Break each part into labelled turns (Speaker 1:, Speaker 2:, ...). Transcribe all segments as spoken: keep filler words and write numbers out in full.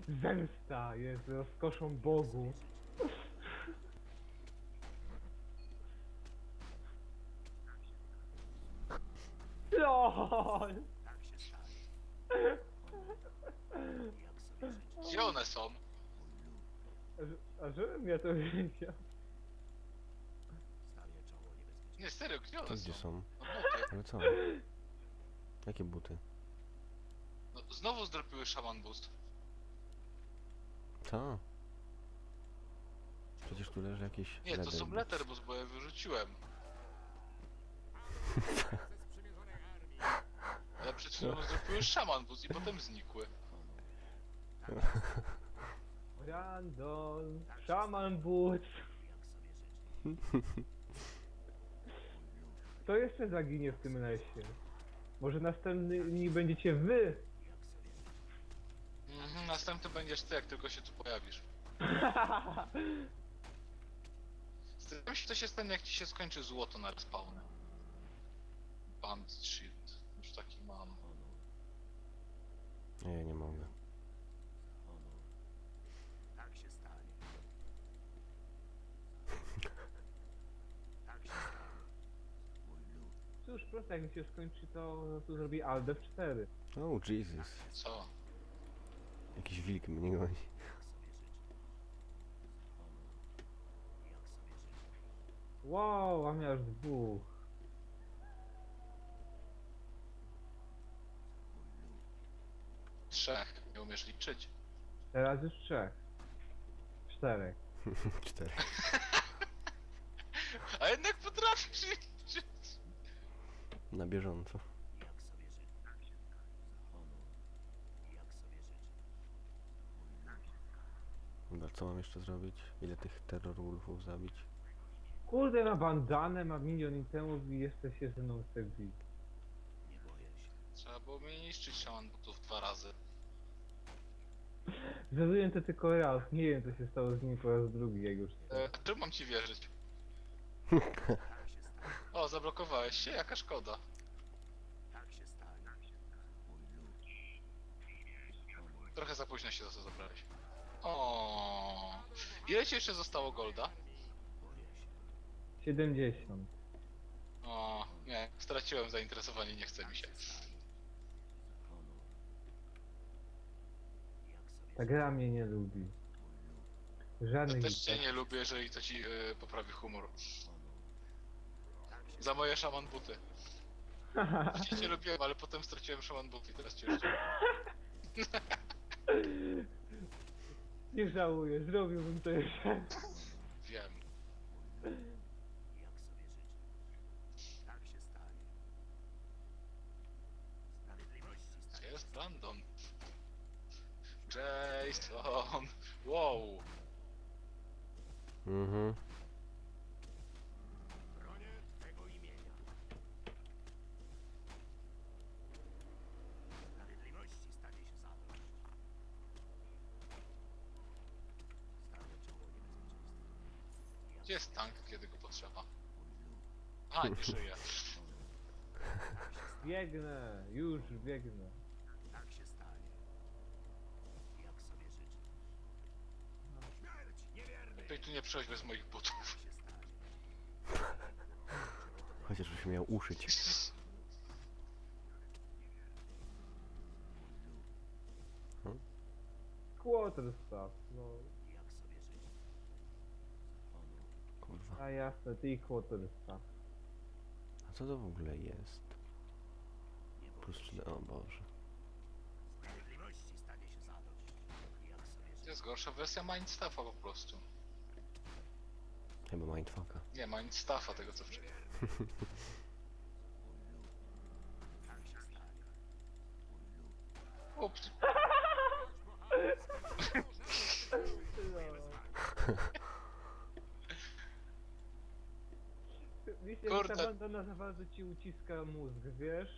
Speaker 1: Zemsta jest rozkoszą Bogu. LOL!
Speaker 2: Gdzie one są?
Speaker 1: A, że- a żebym ja to wiedział.
Speaker 2: Nie, serio, gdzie one
Speaker 3: To gdzie
Speaker 2: są?
Speaker 3: są?
Speaker 2: No buty.
Speaker 3: Ale co? Jakie buty?
Speaker 2: No, znowu zdropiły Shaman Boost.
Speaker 3: Co? Przecież tu leży jakiś
Speaker 2: Nie, to
Speaker 3: leather
Speaker 2: są
Speaker 3: boots.
Speaker 2: Letterboost, bo je wyrzuciłem. Ale przed chwilą zdropiły Shaman Boost i potem znikły.
Speaker 1: Randall, Shaman Boots. Kto jeszcze zaginie w tym lesie? Może następni będziecie wy?
Speaker 2: Mhm, następny będziesz ty, jak tylko się tu pojawisz. Zastanawiam się, co się stanie, jak ci się skończy złoto na respawnie. Band Shield. Już taki mam.
Speaker 3: Nie, ja nie mogę.
Speaker 4: Tak się stanie. Tak się stanie. Mój lud.
Speaker 1: Cóż, prosto jak mi się skończy, to, to zrobi Alde w cztery.
Speaker 3: Oh Jesus.
Speaker 2: Co?
Speaker 3: Jakiś wilk mnie goni.
Speaker 4: Jak sobie życzę. Honor. Jak sobie życzę.
Speaker 1: Wow, a miał aż dwóch.
Speaker 4: Mój lud.
Speaker 2: Trzech. Nie umiesz liczyć.
Speaker 1: Teraz już trzech. Czterech.
Speaker 3: Cztery.
Speaker 2: A jednak potrafisz liczyć.
Speaker 3: Na bieżąco.
Speaker 4: Jak sobie życzę. Za honor. Jak sobie życzę. Mój lud.
Speaker 3: Dobra, co mam jeszcze zrobić? Ile tych terror wolfów zabić?
Speaker 1: Kurde, ma bandanę, ma milion itemów i jeszcze się ze mną chce bić.
Speaker 4: Nie boję się.
Speaker 2: Trzeba było mnie niszczyć Shaman Boostów dwa razy.
Speaker 1: Zrobiłem to tylko raz, nie wiem co się stało z nim po raz drugi, jak już
Speaker 2: E, a czemu mam ci wierzyć?
Speaker 4: Tak się stanie.
Speaker 2: O, zablokowałeś się? Jaka szkoda.
Speaker 4: Tak się stanie. Mój lud. Honor.
Speaker 2: Trochę za późno się za to zabrałeś. O, ile ci jeszcze zostało golda?
Speaker 4: Boję się.
Speaker 1: siedemdziesiąt.
Speaker 2: O, nie, straciłem zainteresowanie, nie chce mi się.
Speaker 4: Za honor. Jak sobie
Speaker 1: Ta gra mnie nie lubi.
Speaker 2: Ja
Speaker 1: Żadnych
Speaker 2: też cię
Speaker 1: item.
Speaker 2: nie lubię, jeżeli to ci y, poprawi humor.
Speaker 4: honor. Tak się
Speaker 2: Za moje szaman buty. Wcześniej cię lubiłem, ale potem straciłem szaman buty i teraz cię już nie.
Speaker 1: Nie żałuję, zrobiłbym to jeszcze.
Speaker 2: Wiem.
Speaker 4: Jak sobie życzę. Tak się stanie. Sprawiedliwości
Speaker 2: Gdzie
Speaker 4: stanie.
Speaker 2: jest Brandon? Jason! Wow!
Speaker 3: Mhm.
Speaker 4: Bronię Twego imienia. Sprawiedliwości stanie się zadość. Stawię czoło niebezpieczeństwu.
Speaker 2: Gdzie jest tank, kiedy go potrzeba?
Speaker 4: Mój lud.
Speaker 2: A, nie żyje.
Speaker 1: Biegnę, już biegnę.
Speaker 4: Tak się stanie. Jak sobie życzę. Śmierć niewierny.
Speaker 2: Lepiej tu nie przychodź bez moich butów.
Speaker 4: Tak się stanie.
Speaker 3: Chociaż byś miał uszyć.
Speaker 1: Quarterstaff, no.
Speaker 4: Jak sobie życzę. Honor.
Speaker 3: Kurwa.
Speaker 1: A jasne, ty i quarterstaff.
Speaker 3: A co to w ogóle jest?
Speaker 4: Nie boję
Speaker 3: Plus
Speaker 4: się.
Speaker 3: cztery. O Boże.
Speaker 4: Sprawiedliwości stanie się zadość. Jak sobie
Speaker 2: To
Speaker 4: życzę.
Speaker 2: jest gorsza wersja Mindstaffa po prostu.
Speaker 3: Chyba mindfucka.
Speaker 2: Nie, Mindstaffa tego co wcześniej.
Speaker 4: Mój lud. Tak się stanie. Mój lud.
Speaker 2: Ups.
Speaker 1: Wiecie,
Speaker 2: Kurde.
Speaker 1: ta bandana za bardzo ci uciska mózg, wiesz?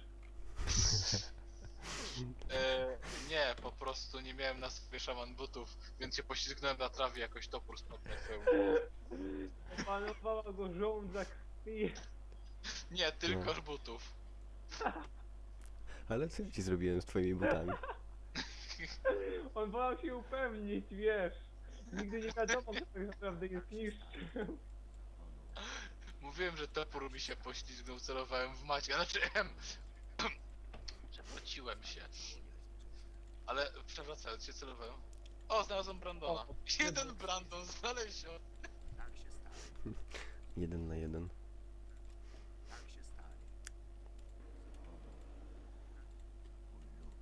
Speaker 2: E, nie, po prostu nie miałem na sobie szaman butów, więc się poślizgnąłem na trawie, jakoś topór spadł na twoją głowę.
Speaker 1: Opanowała go żołądza krwi.
Speaker 2: Nie, tylko butów.
Speaker 3: Ale co ja ci zrobiłem z twoimi butami?
Speaker 1: On wolał się upewnić, wiesz. Nigdy nie wiadomo, kto tak naprawdę jest niższy.
Speaker 2: Mówiłem, że topór mi się poślizgnął, celowałem w Maćka, znaczy em, przewróciłem się. Ale przewracając się celowałem. O, znalazłem Brandona.
Speaker 1: O,
Speaker 2: Jeden Brandon znaleziony.
Speaker 4: Tak się stanie.
Speaker 3: Jeden na jeden.
Speaker 4: Tak się stanie. Honor. Mój lud.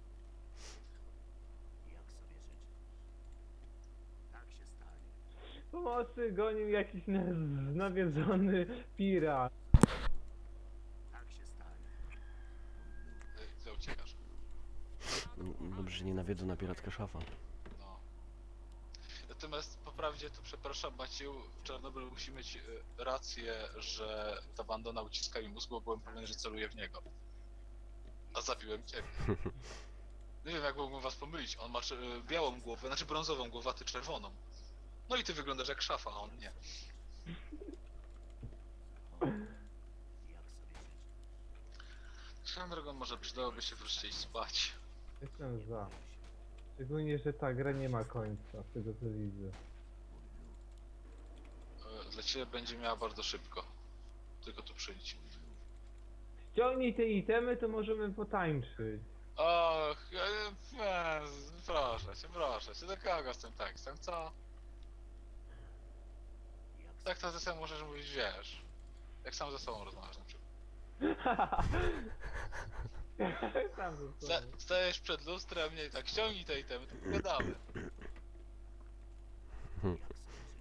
Speaker 4: Jak sobie życzysz. Tak się stanie.
Speaker 1: Pomocy gonił jakiś na- nawiedzony pirat.
Speaker 4: Tak się stanie. Mój lud.
Speaker 2: Ty, Gdzie uciekasz?
Speaker 3: No, dobrze, że nie nawiedzą na piracka szafa.
Speaker 2: No. Natomiast po prawdzie to przepraszam Macieju, Czarnobyl musi mieć y, rację, że ta bandona uciska mi mózg, bo byłem pewien, że celuje w niego. A zabiłem ciebie. Nie wiem jak mógłbym was pomylić, on ma y, białą głowę, znaczy brązową głowę, a ty czerwoną. No i ty wyglądasz jak szafa, a on nie.
Speaker 4: Honor. Jak sobie życzysz.
Speaker 2: Swoją drogą może przydałoby się wreszcie iść spać.
Speaker 1: Jestem za. Szczególnie, że ta gra nie ma końca, z tego co widzę.
Speaker 4: Mój lud.
Speaker 2: Y, Dla ciebie będzie miała bardzo szybko. Tylko tu przyjdź.
Speaker 1: Ściągnij te itemy, to możemy potańczyć.
Speaker 2: Och, e, e, proszę cię, proszę cię, do kogo z tym tekstem, co?
Speaker 4: Jak
Speaker 2: Tak to ze sobą możesz mówić, wiesz. Jak sam ze sobą rozmawiasz na przykład.
Speaker 1: Sam ze
Speaker 2: Sta-
Speaker 1: sobą.
Speaker 2: Stajesz przed lustrem, mnie i tak ściągnij te itemy, to pogadamy.
Speaker 4: Jak sobie życzysz. Mój lud.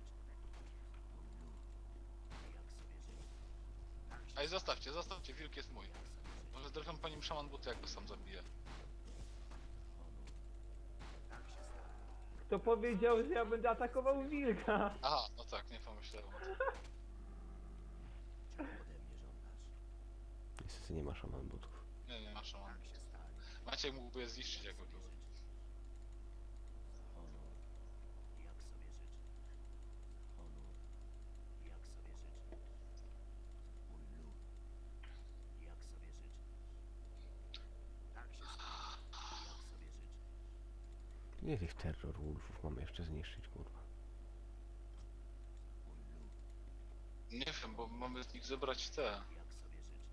Speaker 4: Jak sobie życzysz. Tak się
Speaker 2: Ej, zostawcie, zostawcie, wilk jest mój.
Speaker 4: Jak sobie życzysz.
Speaker 2: Może zresztą pani szaman buty, jak go sam zabije.
Speaker 4: Honor. Tak się stanie.
Speaker 1: Kto powiedział, że ja będę atakował wilka?
Speaker 2: Aha, no tak, nie pomyślałem o tym.
Speaker 4: Czego ode mnie żądasz?
Speaker 3: Niestety nie ma szaman butów.
Speaker 2: Nie, nie ma szaman.
Speaker 4: Tak się stanie.
Speaker 2: Maciek mógłby je zniszczyć, jakby
Speaker 4: Jak
Speaker 2: był.
Speaker 4: sobie życzysz. Honor. Jak sobie życzysz. Honor. Jak sobie życzysz. Mój lud. Jak sobie życzysz. Tak się stanie. Jak sobie życzysz.
Speaker 3: Ile tych terror wolfów mamy jeszcze zniszczyć, kurwa?
Speaker 4: Mój lud.
Speaker 2: Nie wiem, bo mamy z nich zebrać te...
Speaker 4: Jak sobie życzysz.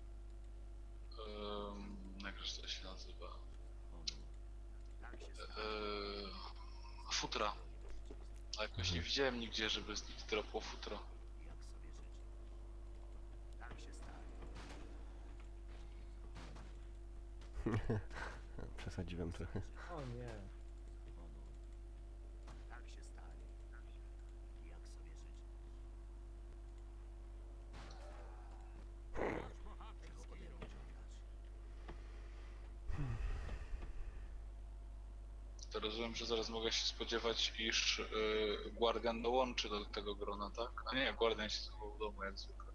Speaker 2: Um, jak to się nazywa?
Speaker 4: Honor. Tak się stanie.
Speaker 2: Eee, futra. A jakoś nie widziałem nigdzie, żeby z nich dropło futro.
Speaker 4: Jak sobie życzysz. Tak się stanie.
Speaker 3: Przesadziłem trochę.
Speaker 1: O nie.
Speaker 4: Honor. Tak się stanie. Jak sobie życzysz. Czego ode mnie żądasz?
Speaker 2: To rozumiem, że zaraz mogę się spodziewać, iż yy, Guardian dołączy do tego grona, tak? A nie, Guardian się schował w domu jak zwykle.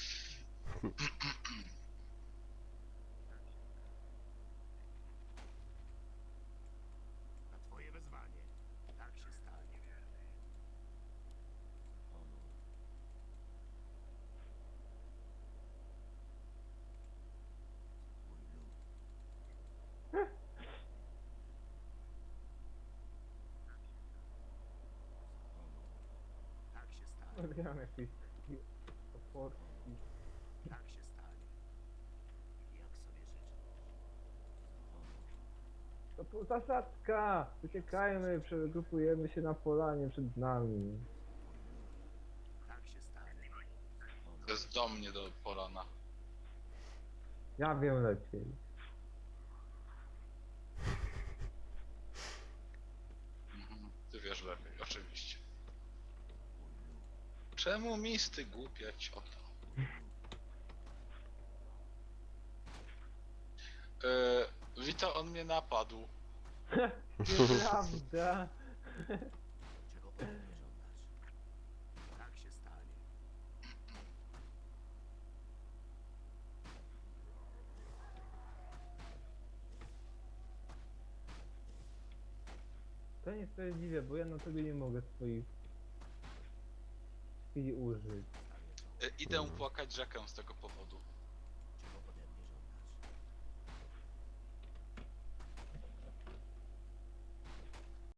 Speaker 4: Na twoje wezwanie. Tak się stanie. Honor. Mój lud. Honor. Tak się stanie.
Speaker 1: Odgram jakieś takie oporki.
Speaker 4: Tak się stanie. Jak sobie życzysz. Honor.
Speaker 1: To po- zasadzka! Uciekajmy, przegrupujemy się na polanie przed nami.
Speaker 4: Tak się stanie.
Speaker 2: To jest do mnie do polana.
Speaker 1: Ja wiem lepiej.
Speaker 2: Mhm. Ty wiesz lepiej, oczywiście.
Speaker 4: Mój lud.
Speaker 2: Czemu misty głupia cioto? Yy, Wita, on mnie napadł.
Speaker 1: Nieprawda!
Speaker 4: Czego ode mnie żądasz? Tak się stanie.
Speaker 1: To niesprawiedliwe, bo ja na tobie nie mogę swoich chwili użyć.
Speaker 4: Stanie to.
Speaker 2: Yy, idę płakać rzekę z tego powodu.